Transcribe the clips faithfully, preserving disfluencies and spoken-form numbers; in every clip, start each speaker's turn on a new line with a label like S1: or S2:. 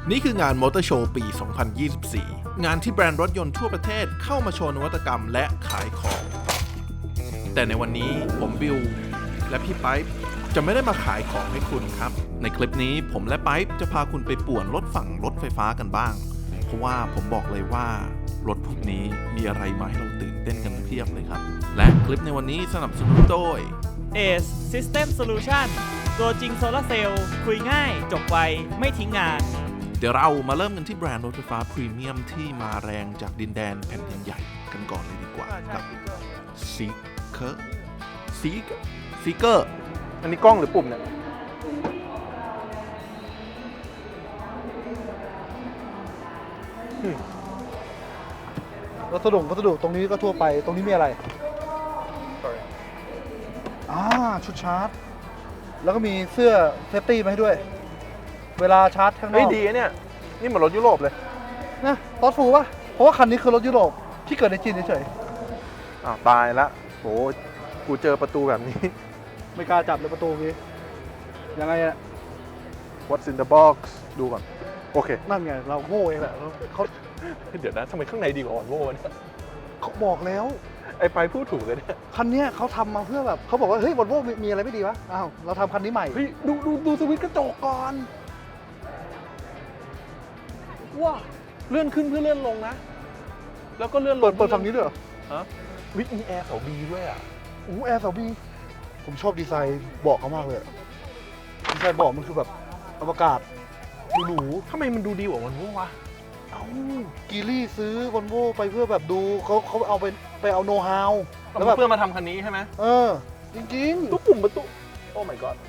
S1: นี่คืองานมอเตอร์โชว์ปี สองพันยี่สิบสี่ งานที่แบรนด์รถยนต์ทั่วประเทศเข้ามาโชว์นวัตกรรมและขายของ แต่ในวันนี้ผมบิลและพี่ไปป์จะไม่ได้มาขายของให้คุณครับ ในคลิปนี้ผมและไปป์จะพาคุณไปป่วนรถฝั่งรถไฟฟ้ากันบ้าง เพราะว่าผมบอกเลยว่ารถพวกนี้มีอะไรมาให้เราตื่นเต้นกันเพียบเลยครับ และคลิปในวันนี้สนับสนุนโดย
S2: เอ เอส System Solution ตัวจริงโซลาร์เซลล์คุยง่ายจบไวไม่ทิ้งงาน
S1: เดี๋ยวเรามาเริ่มกันที่แบรนด์รถไฟฟ้าพรีเมียมที่มาแรงจากดินแดนแผ่นดินใหญ่กันก่อนเลยดีกว่ากับ Zeekr Zeekr Zeekr
S3: อันนี้กล้องหรือปุ่มเนี่ย
S4: วัสดุวัสดุตรงนี้ก็ทั่วไปตรงนี้มีอะไร
S3: Sorry
S4: อ่าชุดชาร์จ แล้วก็มีเสื้อเซฟตี้มาให้ด้วย เวลาชาร์จข้างน
S3: เฮ้ย
S4: อก
S3: ดีนะเนี่ย นี่เหมือนรถยุโรปเลย
S4: นะรถฟูป่ะ เพราะว่าคันนี้คือรถยุโรปที่เกิดในจีนเฉย
S3: อ้าวตายละโหกูเจอประตูแบบนี้
S4: ๆไม่กล้าจับเลยประตูนี้ยังไงอะ
S3: What's in the box ดูก่อน โอเค
S4: นั่นไงเราโง่เองแหละเขา
S3: เดี๋ยวนะทำไมข้างในดีกว่าออนโวเนี่ย
S4: เขาบอกแล้ว
S3: ไอ้ไปพูดถูกเลยเนี่ย
S4: คันเนี้ยเขาทำมาเพื่อแบบเขาบอกว่าเฮ้ยวอลโว่มีอะไรไม่ดีวะอ้าวเราทำคันนี้ใหม่
S3: เฮ้ยดูดูดูสวิตช์กระจกก่อน ว้าเลื่อนขึ้นเพื่อเลื่อนลงนะ แล้วก็เลื่อนล
S4: เปิ
S3: ง
S4: ดเปิดฝั่งนี้ด้วยเหรอ
S3: ฮะวิมีแอร์เขาบีด้วยอ่ะ
S4: โอ้แอร์สบีผมชอบดีไซน์เบาะเขามากเลยอะดีไซน์เบาะมันคือแบบอวกาศหรู
S3: ทำไมมันดูดีกว่ามันวะ
S4: ๆเอ้ากีรี่ซื้อวอลโว่ไปเพื่อแบบดูเขาเขาเอาไปไปเอาโน้ตฮาวแล้วแบบ
S3: เพื่อมาทำคันนี้ใช่ไหม
S4: เออ จริง
S3: ตู้ปุ่มประตู โอ้ my god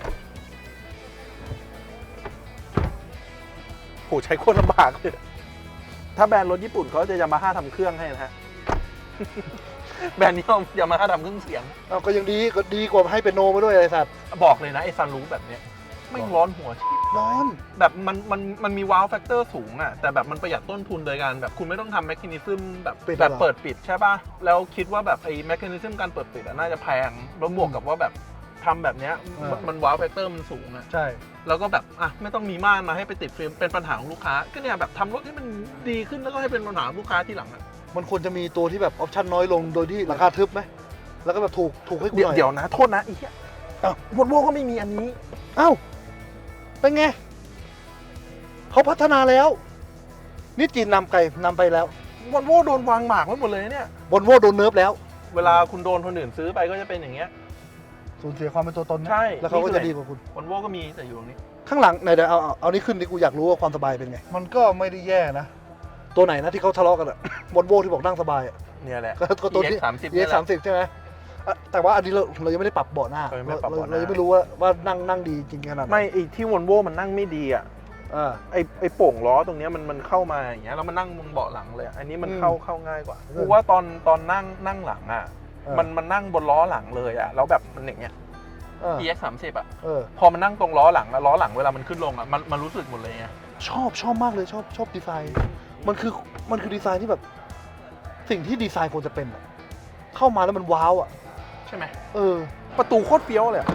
S3: โหใช้โคตรลำบากเลยถ้าแบรนด์รถญี่ปุ่นเขาจะยามาฮ่าทำเครื่องให้นะฮะ แบรนด์นี้ยามาฮ่าทำเครื่องเสียง
S4: ๆเอาก็ยังดีก็ดีกว่าให้เป็นโนมาด้วยไอ้สัตว์
S3: บอกเลยนะ ไอ้ซันรูฟแบบเนี้ยไม่ร้อนหัว
S4: ร้อน
S3: แบบมันมันมันมีว้าวแฟกเตอร์สูงอะแต่แบบมันประหยัดต้นทุนโดยการแบบคุณไม่ต้องทำแมคานิซึมแบบแบบเปิดปิดใช่ป่ะ แล้วคิดว่าแบบไอ้แมคานิซึมการเปิดปิดอะน่าจะแพงแล้วบวกกับว่าแบบทำแบบเนี้ยมันว้าวแฟกเตอร์มันสูงอะ
S4: ใช่
S3: แล้วก็แบบอ่ะไม่ต้องมีม่านมาให้ไปติดฟิล์มเป็นปัญหาของลูกค้าก็เนี่ยแบบทำรถให้มันดีขึ้นแล้วก็ให้เป็นปัญหาของลูกค้าที่หลังอะ
S4: มันควรจะมีตัวที่แบบออปชั่นน้อยลงโดยที่ราคาทึบไหมแล้วก็แบบถูกถูกให้กู
S3: เดี๋
S4: ห
S3: ยว
S4: น่อย
S3: เดี๋ยวนะ โทษนะไอ้เหี้ยอ่ะวอลโว่ก็ไม่มีอันนี้
S4: เอ้าเป็นไงเขาพัฒนาแล้ว นี่จีนนำไกลนำไปแล้ว
S3: วอลโว่โดนวางหมากไว้หมดเลยเนี่ย
S4: วอลโว่โดนเนิร์ฟแล้ว
S3: เวลาคุณโดนคนอื่นซื้อไปก็จะเป็นอย่างเงี้ย
S4: สูญเสียความเป็นตัวตนนะ
S3: ใช่
S4: แล้วเขาก็
S3: นี่คือ
S4: จะดีกว่าคุณ
S3: วอลโว่ก็มีแต่อยู่ตรงนี้
S4: ข้างหลังไหนเดี๋ยวเอาเอาเอานี่ขึ้นดิกูอยากรู้ว่าความสบายเป็นไง มันก็ไม่ได้แย่นะ ตัวไหนนะที่เขาทะเลาะกันอะ วอลโว่ที่บอกนั่งสบายอะ
S3: เนี่ยแหละ
S4: ก็ก็ตัวที่
S3: สามสิบ
S4: เอสามสิบใช่ไหมอ่ะแต่ว่าอันนี้เราเรายังไม่ได้ปรับเบาะหน้า
S3: เรายังไม่ได้ปรับ
S4: เรา
S3: เบาะหน้า
S4: เรายังไม่รู้ว่าว่านั่งนั่งดีจริงขนาดไหน
S3: ไม่ไอ้ที่วอลโว่มันนั่งไม่ดีอ่ะ
S4: อ่า
S3: ไอ้ไอ้โป่งล้อตรงเนี้ยมันมันเข้ามาอย่างเงี้ยแล้วมันนั่งบนเบาะหลังเลยอะอันนี้มัน
S4: อืม
S3: เข้าเข้าง่ายกว่า
S4: เออ
S3: กูว่าตอนตอนนั่งนั่งหลังอ่ะ
S4: เออ
S3: มันมันนั่งบนล้อหลังเลยอ่ะแล้วแบบมันอย่างเงี้ย
S4: เออ
S3: อี เอ็กซ์ สามสิบอ่ะ
S4: เออ
S3: พอมันนั่งตรงล้อหลังแล้วล้อหลังเวลามันขึ้นลงอ่ะมันมันรู้สึกหมดเลยไง
S4: ชอบชอบมากเลยชอบชอบดีไซน์ มันคือมันคือดีไซน์ที่แบบ สิ่งที่ดีไซน์ควรจะเป็นอะเข้ามาแล้วมันว้าวอ่ะ
S3: ใช่ไหม
S4: เออ
S3: ประตูโคตรเฟี้ยวเลยอะ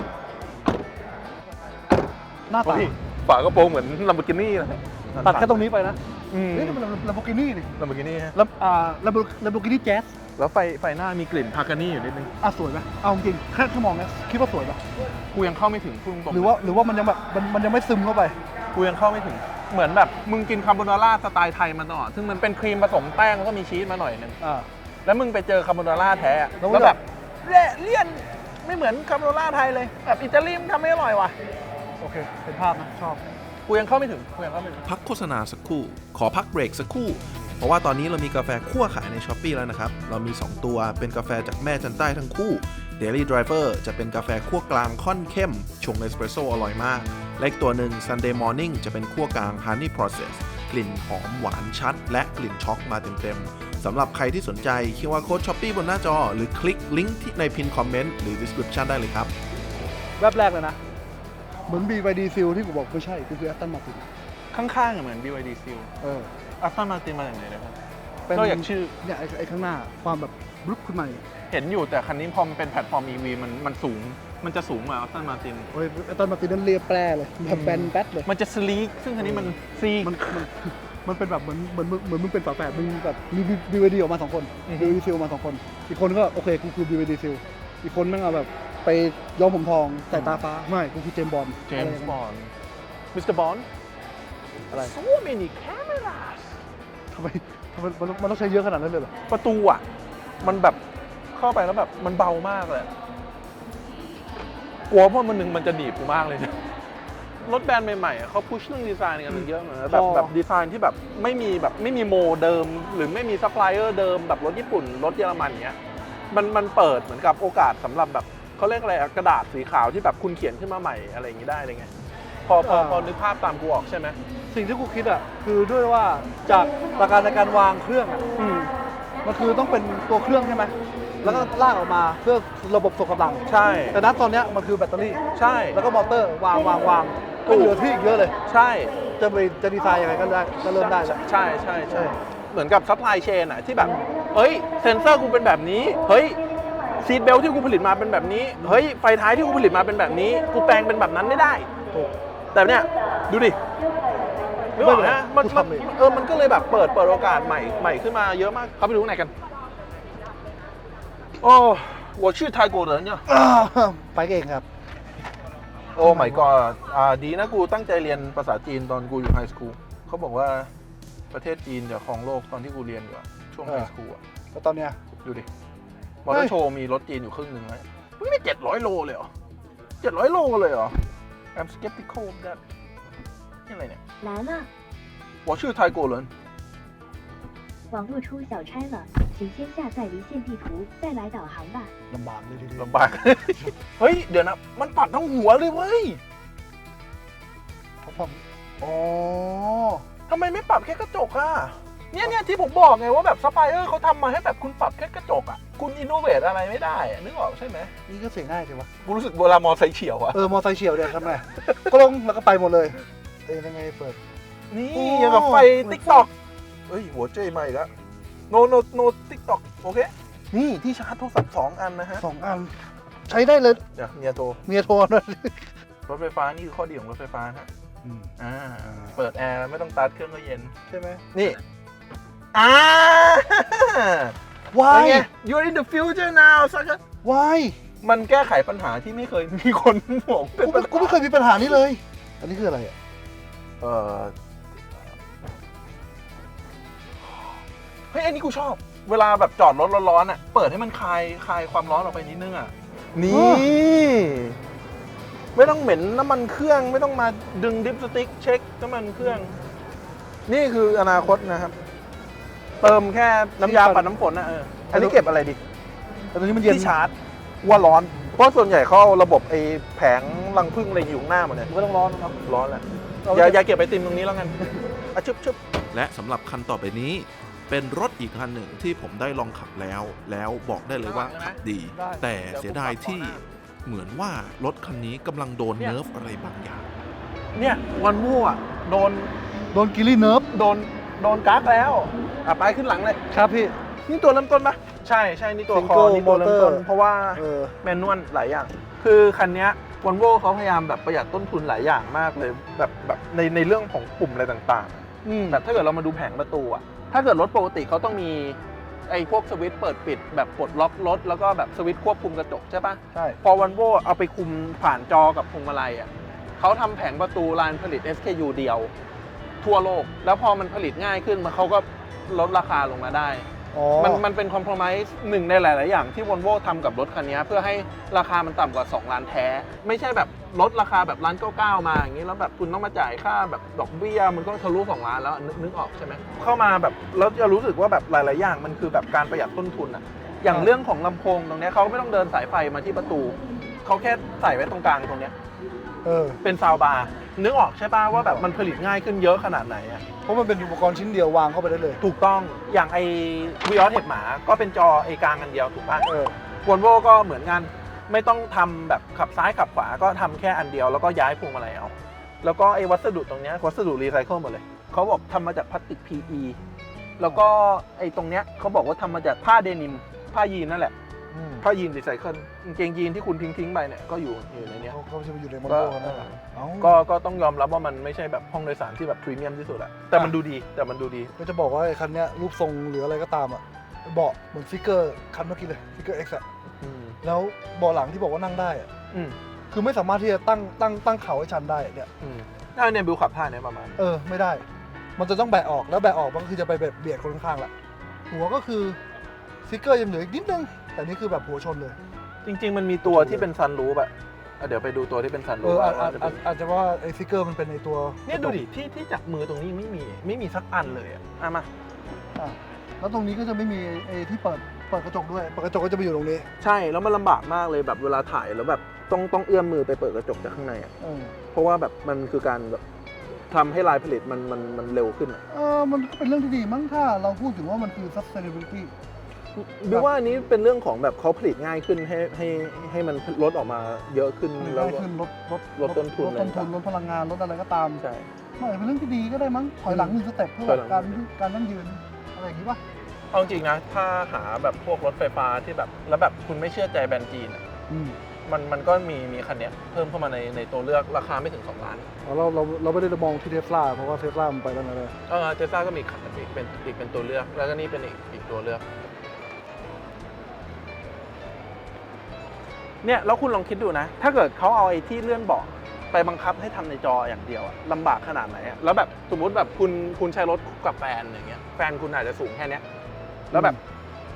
S4: หน้าตา
S3: เฮ้ยฝากระโปรงเหมือนลัมโบกินี่นะ
S4: ตัดแค่ตรงนี้ไปนะ
S3: อืม
S4: นี่มันลัมโบกินี่นี่
S3: ลัมโบกินี่ฮะ
S4: แล้วอ่าลัมโบลัมโบกินี่แจ๊ส
S3: แล้วไฟไฟหน้ามีกลิ่นพากานี่อยู่นิดนึง
S4: อ่ะสวยไหมเอาจริงแค่แค่มองนะคิดว่าสวยปะ
S3: กูยังเข้าไม่ถึงพุ่งตรง
S4: หรือว่าหรือว่ามันยังแบบมันมันยังไม่ซึมเข้าไป
S3: กูยังเข้าไม่ถึงเหมือนแบบมึงกินคาโบนาร่าสไตล์ไทยมาตลอดซึ่งมันเป็นครีมผสมแป้งแล้วก็มีชีสมาหน่อยนึง
S4: อ่า
S3: แล้วมึงไปเจอคาโบนาร่าแท้อะ
S4: แล้ว
S3: แล้วแบบเละเลี่ยนไม่เหมือนคาโบนาร่าไทยเลยแบบอิตาลีมันทำไม่อร่อยว่ะ
S4: โอเคเห็นภาพนะชอบ
S3: กูยังเข้าไม่ถึงกูยังเข้าไม่ถึง
S1: พักโฆษณาสักครู่ ขอพักเบรกสักครู่ เพราะว่าตอนนี้เรามีกาแฟคั่วขายใน Shopee แล้วนะครับ เรามี สอง ตัว เป็นกาแฟจากแม่จันใต้ทั้งคู่ Daily Driver จะเป็นกาแฟคั่วกลางค่อนเข้ม ชงเอสเปรสโซ่อร่อยมาก และอีกตัวหนึ่ง Sunday Morning จะเป็นคั่วกลาง Honey Process กลิ่นหอมหวานชัด และกลิ่นช็อกมาเต็มๆ สำหรับใครที่สนใจเคียร์ โค้ด Shopee บนหน้าจอ หรือคลิกลิงก์ที่ในพินคอมเมนต์หรือ description ได้เลยครับ
S4: แวบแรกเลยนะ เหมือน บี วาย ดี Seal ที่กูบอกไม่ใช่กูคือ Aston Martin
S3: ข้างๆอะเหมือน บี วาย ดี Seal
S4: เออ
S3: อัสตันมาตินมาจากไหนนะครับ
S4: เป็น
S3: ก็อย่างชื่อ
S4: เนี่ยไอ้ไอ้ข้างหน้าความแบบบลุกขึ้นมาเนี่ย
S3: เห็นอยู่แต่คันนี้พอมันเป็นแพลตฟอร์ม อี วี มันมันสูงมันจะสูงกว่าออสตันมาติน
S4: โอ้ยตอนมาตีนั้นเรียบแปรเลยแบบแบนแป๊ดเลย
S3: มันจะสลีกซึ่งคันนี้มันซีก
S4: มันมันมันเป็นแบบเหมือนเหมือนเหมือนมึงเป็นฝาแฝดมึงแบบมีบีวดีออกมาสองคน
S3: อือฮึ
S4: บีวดีซิลมาสองคนอีกคนก็โอเคกูคือบีวดีซิลอีกคนแม่งเอาแบบไปย้อมผมทองใส่ตาฟ้าไม่กูคือเจมส์บอนด์
S3: เจมส์บอนด์มิสเตอร์บอนด์
S4: อะไร
S3: so many cameras
S4: ทำไมทำไมมันมันต้องใช้เยอะขนาดนั้นเลยเหรอ
S3: ประตูอ่ะ มันแบบเข้าไปแล้วแบบมันเบามากเลยกลัวเพราะมันหนึ่งมันจะหนีบกูมากเลยนะรถแบรนด์ใหม่ๆอ่ะเขาพุชเรื่องดีไซน์กันเยอะเหมือนกันแบบแบบดีไซน์ที่แบบไม่มีแบบไม่มีโมเดิม หรือไม่มีซัพพลายเออร์เดิมแบบรถญี่ปุ่น รถเยอรมันเนี้ยมันมันเปิดเหมือนกับโอกาสสำหรับแบบเขาเรียกอะไรอะกระดาษสีขาวที่แบบคุณเขียนขึ้นมาใหม่อะไรอย่างนี้ได้เลยไงพอพอพอนึกภาพตามกูออกใช่ไหม
S4: สิ่งที่กูคิดอ่ะคือด้วยว่าจากหลักการในการวางเครื่องอ่ะ
S3: อืม
S4: มันคือต้องเป็นตัวเครื่องใช่ไหมแล้วก็ลากออกมาเพื่อระบบส่งกำลัง
S3: ใช่
S4: แต่ณตอนเนี้ยมันคือแบตเตอรี่
S3: ใช่
S4: แล้วก็มอเตอร์วางวางวางก็เหลือที่อีกเยอะเลย
S3: ใช่
S4: จะไปจะดีไซน์ยังไงก็ได้ก็เริ่มได้แล้ว
S3: ใช่ใช่ใช่เหมือนกับซัพพลายเชนอะที่แบบเฮ้ยเซนเซอร์กูเป็นแบบนี้เฮ้ยซีทเบลที่กูผลิตมาเป็นแบบนี้เฮ้ยไฟท้ายที่กูผลิตมาเป็นแบบนี้กูแปลงเป็นแบบนั้นไม่ได้
S4: ถูก
S3: แต่เนี่ยดูดินึกออกนะมันมันเออมันก็เลยแบบเปิดเปิดโอกาสใหม่ใหม่ขึ้นมาเยอะมากเข้าไปดูข้างในกันโอ้我去泰国人เนี่ย
S4: อ่าไปเก่งครับ
S3: โอ้ my god อ่าดีนะกูตั้งใจเรียนภาษาจีนตอนกูอยู่ไฮสคูลเขาบอกว่าประเทศจีนจะครองโลกตอนที่กูเรียนอยู่อะช่วงไฮสคูลอะ
S4: แล้วตอนเนี้ย
S3: ดูดิมอเตอร์โชว์มีรถจีนอยู่ครึ่งหนึ่งเลยมึงได้เจ็ดร้อยโลเลยเหรอเจ็ดร้อยโลเลยเหรอ I'm skeptical of that นี่อะไรเนี่ย
S5: 来了，
S3: 我是泰国人
S5: 网络出小差了，请先下载离线地图，再来导航吧。
S4: ลำบากเลยทีเดียว
S3: ลำบาก เฮ้ย เดี๋ยวนะ มันปัดทั้งหัวเลยเว้ย
S4: เพราะผมอ๋อ
S3: ทำไมไม่ปรับแค่กระจกอะเนี่ยเนี่ยที่ผมบอกไงว่าแบบซัพพลายเออร์เขาทำมาให้แบบคุณปรับแค่กระจกอะคุณอินโนเวทอะไรไม่ได้อะนึกออกใช่ไหม
S4: นี่ก็เสียง่ายสิวะ
S3: กูรู้สึกเวลามอไซค์เฉียวอะ
S4: เออมอไซค์เฉียวเดี๋ยวทำไง ก็ลงแล้วก็ไปหมดเลยเอ้ยยังไงเปิด
S3: นี่
S4: โอ้
S3: ยังกับไฟ
S4: เหมือน
S3: ติ๊กต็อกเฮ้ย หัวเจมาอีกแล้ว no no no ติ๊กต็อกโอเค นี่ที่ชาร์จโทรศัพท์สองอันนะฮะ
S4: สองอัน ใช้ได้เลย
S3: เดี๋ยวเมียโทร
S4: เมียโทรด้วย
S3: รถไฟฟ้านี่คือข้อดีของรถไฟฟ้านะฮะ
S4: อืม
S3: อ่าเปิดแอร์ไม่ต้องตัดเครื่องก็เย็น
S4: ใช่ไหม
S3: นี่ อ่า
S4: Why
S3: เป็นไง You're in the future now สัก
S4: Why
S3: มันแก้ไขปัญหาที่ไม่เคยมีคนบอกเป็น
S4: กู
S3: ปั
S4: ไม่
S3: ญ
S4: กูไม่เคยมีปัญหานี้เลย อันนี้คืออะไรอ่ะ
S3: เออเฮ้ยอันนี้กูชอบ เวลาแบบจอดรถร้อนๆอ่ะ เปิดให้มันคลายคลายความร้อนออกไปนิดนึงอ่ะ นี่ ไม่ต้องเหม็นน้ำมันเครื่อง ไม่ต้องมาดึงดิปสติ๊กเช็คน้ำมันเครื่อง นี่คืออนาคตนะครับ เติมแค่น้ำยาปัดน้ำฝนนะเออ อันนี้เก็บอะไรดี
S4: แต่ตอนนี้มันเย็น
S3: ที่ชาร์จว่าร้อน เพราะส่วนใหญ่เขาเอาระบบไอ้แผงรังผึ้งอะไรอยู่ข้างหน้าหมดเลย
S4: มันก็ต้องร้อนนะครับ
S3: ร้อนแหละอย่าอย่าเก็บไอติมตรงนี้แล้วกันอ่ะชึบชึบ
S1: และสำหรับคันต่อไปนี้ เป็นรถอีกคันหนึ่งที่ผมได้ลองขับแล้ว แล้วบอกได้เลยว่าขับดี แต่เสียดายที่เหมือนว่ารถคันนี้กำลังโดนเนิร์ฟอะไรบางอย่าง
S3: เนี่ยวันมู่อ่ะโดน
S4: โดนกิลลี่เนิร์ฟ
S3: โดนโดนกั๊กแล้วอ่ะไปขึ้นหลังเลย
S4: ครับพี่
S3: นี่ตัวเริ่มต้นปะใช่ใช่นี่ตัวคอ
S4: Single
S3: นี่ตัวเริ่มต้น
S4: motor
S3: เพราะว่า
S4: เออ
S3: แมนนวลหลายอย่าง คือคันเนี้ยวอลโว่เขาพยายามแบบประหยัดต้นทุนหลายอย่างมากเลยแบบแบบในในเรื่องของปุ่มอะไรต่างๆ
S4: อืม
S3: แบบถ้าเกิดเรามาดูแผงประตูอะถ้าเกิดรถปกติเขาต้องมีไอ้พวกสวิตช์เปิดปิดแบบปลดล็อกรถแล้วก็แบบสวิตช์ควบคุมกระจกใช่ปะ
S4: ใช่
S3: พอวันโวเอาไปคุมผ่านจอกับพวงมาลัยอะเขาทำแผงประตูลานผลิต เอส เค ยู เดียว ทั่วโลก แล้วพอมันผลิตง่ายขึ้นมันเขาก็ลดราคาลงมาได้
S4: อ๋อ
S3: มันมันเป็นคอมโพรไมซ์หนึ่งในหลาย ๆ อย่างที่วอลโว่ทำกับรถคันนี้เพื่อให้ราคามันต่ำกว่าสองล้านแท้ ไม่ใช่แบบลดราคาแบบล้านเก้าเก้ามาอย่างนี้แล้วแบบคุณต้องมาจ่ายค่าแบบดอกเบี้ยมันก็ทะลุสองล้านแล้วนึกนึกออกใช่ไหมเข้ามาแบบแล้วจะรู้สึกว่าแบบหลาย ๆ อย่างมันคือแบบการประหยัดต้นทุนอะอย่างเรื่องของลำโพงตรงเนี้ยเขาไม่ต้องเดินสายไฟมาที่ประตูเขาแค่ใส่ไว้ตรงกลางตรงเนี้ย
S4: เออ
S3: เป็นซาวบาร์นึกออกใช่ป่ะว่าแบบมันผลิตง่ายขึ้นเยอะขนาดไหนอะ
S4: เพราะมันเป็นอุปกรณ์ชิ้นเดียววางเข้าไปได้เลย
S3: ถูกต้องอย่างไอวีออสเห็บหมาก็เป็นจอไอกลางอันเดียวถูกป่ะ
S4: เออ
S3: วอลโวก็เหมือนกันไม่ต้องทำแบบขับซ้ายขับขวาก็ทำแค่อันเดียวแล้วก็ย้ายพวงมาลัยเอาแล้วก็ไอ้วัสดุตรงเนี้ยวัสดุรีไซเคิลหมดเลยเขาบอกทำมาจากพลาสติก พี อี แล้วก็ไอ้ตรงเนี้ยเขาบอกว่าทำมาจากผ้าเดนิมผ้ายีนนั่นแหละ
S4: อืม
S3: ผ้ายีนรีไซเคิลกางเกงยีนที่คุณทิ้งทิ้งๆไปเนี่ยก็อยู่อยู่ในเนี้ย
S4: เขาเขาจะไปอยู่ในมอน
S3: ก็
S4: โต้กันนะเอ้า
S3: ก็ก็ต้องยอมรับว่ามันไม่ใช่แบบห้องโดยสารที่แบบพรีเมียมที่สุดอะแต่มันดูดีแต่มันดูดี
S4: ก็จะบอกว่าไอ้คันเนี้ยรูปทรงหรืออะไรก็ตามอ่ะเบาะเหมือนฟิกเกอร์คันเมื่อกี้เลยฟิกเกอร์ X อ่ะ
S3: อืม
S4: แล้วเบาะหลังที่บอกว่านั่งได้อ่ะ
S3: อืม
S4: คือไม่สามารถที่จะตั้งตั้งตั้งเข่าให้ชันได้เนี่ย
S3: อืมน่าเนี่ยบิวขับท่าเนี่ยประมาณ
S4: เออไม่ได้ มันจะต้องแบะออกแล้วแบะออกมันก็คือจะไปแบบเบียดคนข้างๆแหละหัวก็คือฟิกเกอร์ยังเหลืออีกนิดนึงแต่นี่คือแบบหัวชนเลย
S3: จริง ๆ มันมีตัวที่เป็นซันรูฟอะอ่ะเดี๋ยวไปดูตัวที่เป็นซัน
S4: เอ
S3: รูฟ
S4: ออาจ
S3: ว่า
S4: อาจ
S3: จะ
S4: อา
S3: เป็
S4: จ
S3: น
S4: อาจจะว่าไอ้ฟิกเกอร์มันเป็นในตัว
S3: เนี่ยดูดิที่ที่จับมือตรงนี้ไม่มีไม่มีสักอันเลยอะอ่ะมา
S4: อ่ะแล้วตรงนี้ก็จะไม่มีไอ้ที่เปิดเปิดกระจกด้วยเปิดกระจกก็จะไปอยู่ตรงนี้
S3: ใช่แล้วมันลำบากมากเลยแบบเวลาถ่ายแล้วแบบต้องต้องเอื้อมมือไปเปิดกระจกจากข้างในอะ
S4: เออ
S3: เพราะว่าแบบมันคือการแบบทำให้ลายผลิตมันมันมันเร็วขึ้นอะ
S4: เออมันก็เป็นเรื่องที่ดีมั้งถ้าเราพูดถึงว่ามันคือ sustainability
S3: บิวว่าอันนี้เป็นเรื่องของแบบเขาผลิตง่ายขึ้นให้ให้ให้มันลดออกมาเยอะขึ้น
S4: มัน
S3: แล้ว
S4: ได้
S3: ก็
S4: ขึ้นลดลด
S3: ลดต้นทุน
S4: ลดต้นทุน
S3: อะไร
S4: ลดพลังงานลดอะไรก็ตาม
S3: ใช่
S4: มันอาจจะเป็นเรื่องที่ดีก็ได้มั้งถอยหลังหนึ่งสเต็ปเพื่อ
S3: ถอยหลัง
S4: การการนั่งยืนอะไรอย่างงี้ป่ะ
S3: เอาจริงนะถ้าหาแบบพวกรถไฟฟ้าที่แบบแล้วแบบคุณไม่เชื่อใจแบรนด์จีนอะ
S4: อืม
S3: มันมันก็มีมีคันเนี้ยเพิ่มเข้ามาในในตัวเลือกราคาไม่ถึงสองล้าน
S4: เราเราเราไม่ได้มองที่เทสลาเพราะว่าเทสลามันไปแล้วนะเลย
S3: เออเทสลาก็มีอีกคันอีกเป็นอีกเป็นตัวเลือกแล้วก็นี่เป็นอีกอีกตัวเลือกเนี่ยแล้วคุณลองคิดดูนะ ถ้าเกิดเขาเอาไอ้ที่เลื่อนเบาะไปบังคับให้ทำในจออย่างเดียวอะลำบากขนาดไหนอะแล้วแบบสมมุติแบบคุณคุณใช้รถกับแฟนอย่างเงี้ยแฟนคุณอาจจะสูงแค่เนี้ยแล้วแบบ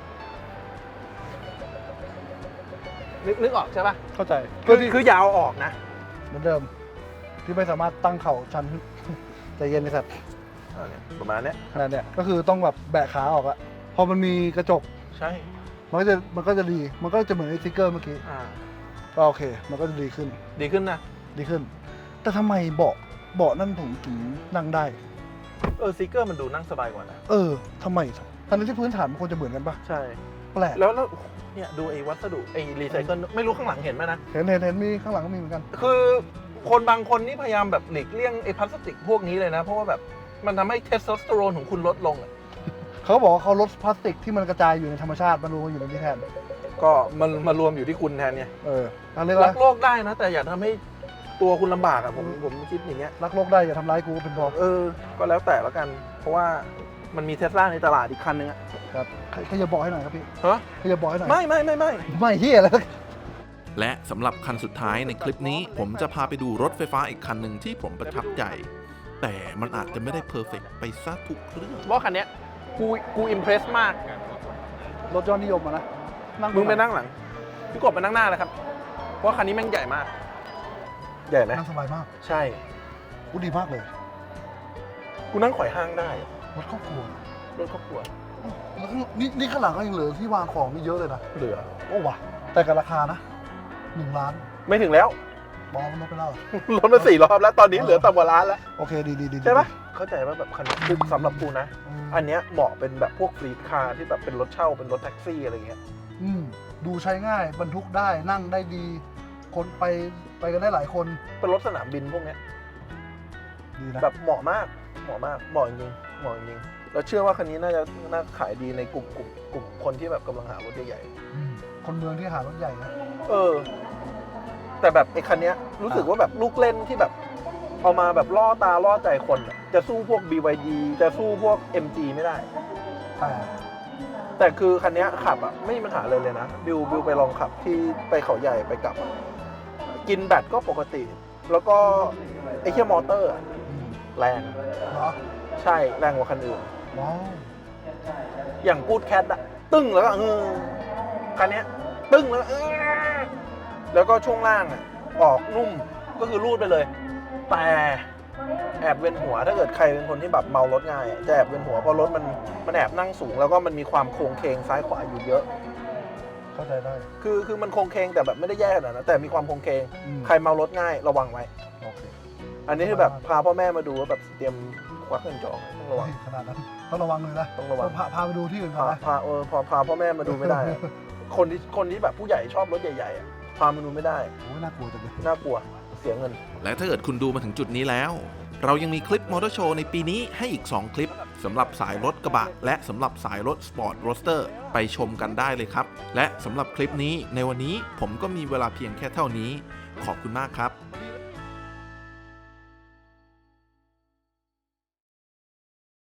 S3: นึกนึกออกใช่ปะ
S4: เข้าใจ
S3: คือคือยาวออกนะ
S4: เหมือนเดิม ที่ไม่สามารถตั้งเข่าชัน ใจเย็นในสัตว์
S3: อ่าเนี่ยประมาณเนี้ย
S4: ขนาดเนี้ยก็คือต้องแบบแบะขาออกอะพอมันมีกระจก
S3: ใช่
S4: มันก็จะมันก็จะดีมันก็จะเหมือนไอ้สติ๊กเกอร์เมื่อกี้
S3: อ่า
S4: ก็โอเค มันก็จะดีขึ้น
S3: ดีขึ้นนะ
S4: ดีขึ้น แต่ทำไมเบาะเบาะนั่นผมถึงนั่งได้
S3: เออซิกเกอร์มันดูนั่งสบายกว่านะ
S4: เออทำไมทั้งที่พื้นฐานมันควรจะเหมือนกันปะ
S3: ใช่
S4: แปลก
S3: แล้วแล้วเนี่ยดูไอ้วัสดุไอ้รีไซเคิลไม่รู้ข้างหลังเห็นไหมนะ
S4: เห็นเห็นเห็นมีข้างหลังก็มีเหมือนกัน
S3: คือคนบางคนนี่พยายามแบบหลีกเลี่ยงไอ้พลาสติกพวกนี้เลยนะ เพราะว่าแบบมันทำให้เทสโทสเตอโรนของคุณลดลงอะ
S4: เขาบอกว่าเขาลดพลาสติกที่มันกระจายอยู่ในธรรมชาติมันรวมกันอยู่ในนี้แทน
S3: ก็มันมารวมอยู่ที่คุณแทนเนี่ย
S4: เออรักเรียก
S3: รั
S4: ว่าก
S3: โลกได้นะ แต่อย่าทำให้ตัวคุณลำบากอะผมผมคิดอย่างเงี้ย
S4: รักโลกได้อย่าทำร้ายกูเป็นพอ
S3: เออ ก็แล้วแต่แล้วกัน เพราะว่ามันมีเทสลาในตลาดอีกคันนึงอะ
S4: ครับขยับบอกให้หน่อยครับพี่
S3: ฮะ
S4: ขยับบอกให้หน่อย
S3: ไม่ไม่ไม่ไม่
S4: ไม่เฮียแล้ว
S1: และสำหรับคันสุดท้ายในคลิปนี้ผมจะพาไปดูรถไฟฟ้าอีกคันหนึ่งที่ผมประทับใจ แต่มันอาจจะไม่ได้เพอร์เฟกต์ไปซะทุกเรื่อง
S3: ว่าคันเนี้ยกูกูอิมเพรสมาก
S4: รถยอดนิยมอะนะ
S3: มึงไปนั่งหลัง พี่กบไปนั่งหน้าเลยครับ เพราะคันนี้แม่งใหญ่มาก ใหญ่ไหม
S4: นั่งสบายมาก
S3: ใช่
S4: กูดีมากเลย
S3: กูนั่งไขว่ห้างได้
S4: รถครอบครัว
S3: รถครอบครัว
S4: แล้วข้างนี่นี่ข้างหลังก็ยังเหลือที่วางของนี่เยอะเลยนะ
S3: เหลือ
S4: โอ้ว่ะแต่กับราคานะหนึ่งล้าน
S3: ไม่ถึงแล้ว
S4: บอกมันลดไปแล้วเหรอ
S3: รถมาสี่รอบแล้ว ตอนนี้เหลือต่ำกว่าล้านแล้ว
S4: โอเคดีดีดี
S3: ใช่ปะเข้าใจว่าแบบคันนี้คือสำหรับกูนะ
S4: อืม
S3: อันเนี้ยเหมาะเป็นแบบพวกฟรีดคาร์ที่แบบเป็นรถเช่า เป็นรถแท็กซี่อะไรเงี้ย
S4: อืมดูใช้ง่ายบรรทุกได้นั่งได้ดี คนไปไปกันได้หลายคน
S3: เป็นรถสนามบินพวกเนี้ย
S4: ดีนะ
S3: แบบเหมาะมาก เหมาะมาก เหมาะจริงเหมาะจริงเราเชื่อว่าคันนี้น่าจะน่าขายดีในกลุ่มกลุ่มกลุ่มคนที่แบบกำลังหารถใหญ่
S4: อืมคนเมืองที่หารถใหญ่นะ
S3: ๆ เออ แต่แบบไอ้คันเนี้ยรู้สึกว่าแบบลูกเล่นที่แบบเอามาแบบล่อตาล่อใจคนอะจะสู้พวก บี วาย ดี จะสู้พวก เอ็ม จี ไม่ได้
S4: แต่
S3: แต่คือคันเนี้ยขับอ่ะไม่มีปัญหาเลยเลยนะบิวบิวไปลองขับที่ไปเขาใหญ่ไปกลับอะกินแบตก็ปกติ แล้วก็ไอ้เคียมอเตอร์อะ
S4: อืม
S3: แรง
S4: เหรอ
S3: ใช่แรงกว่าคันอื่น
S4: ว้าว
S3: อย่างกูดแคทอะตึ้งแล้วก็เออคันเนี้ยตึ้งแล้วก็เออแล้วก็ช่วงล่างอะออกนุ่มก็คือรูดไปเลย แต่แอบเวียนหัวถ้าเกิดใครเป็นคนที่แบบเมารถง่ายอะจะแอบเวียนหัวเพราะรถมันมันแอบนั่งสูง แล้วก็มันมีความโค้งเคงซ้ายขวาอยู่เยอะ
S4: เข้าใจได้
S3: คือคือมันโค้งเคงแต่แบบไม่ได้แย่ขนาดนั้นแต่มีความโค้งเคง
S4: อืม
S3: ใครเมารถง่ายระวังไว้
S4: โอเค
S3: อันนี้คือแบบพาพ่อแม่มาดูว่าแบบเตรียมควักเงินจองต้องระวัง
S4: เฮ้ยขนาดนั้นต้องระวังเลยนะ
S3: ต้องระวัง
S4: พาพาไปดูที่อื่นก่อ
S3: พาน
S4: นะ
S3: พาเออพาพาพ่อแม่มาดูไม่ได้อะ คนที่คนที่แบบผู้ใหญ่ชอบรถใหญ่ๆอะพามาดูไม่ได้
S4: โอ้ยน่ากลัวจังเลย
S3: น่ากลัวเสียเงิน
S1: และถ้าเกิดคุณดูมาถึงจุดนี้แล้วเรายังมีคลิปมอเตอร์โชว์ในปีนี้ให้อีก สอง คลิปสำหรับสายรถกระบะและสำหรับสายรถสปอร์ตโรสเตอร์ไปชมกันได้เลยครับและสำหรับคลิปนี้ในวันนี้ผมก็มีเวลาเพียงแค่เท่านี้ขอบคุณมากครับ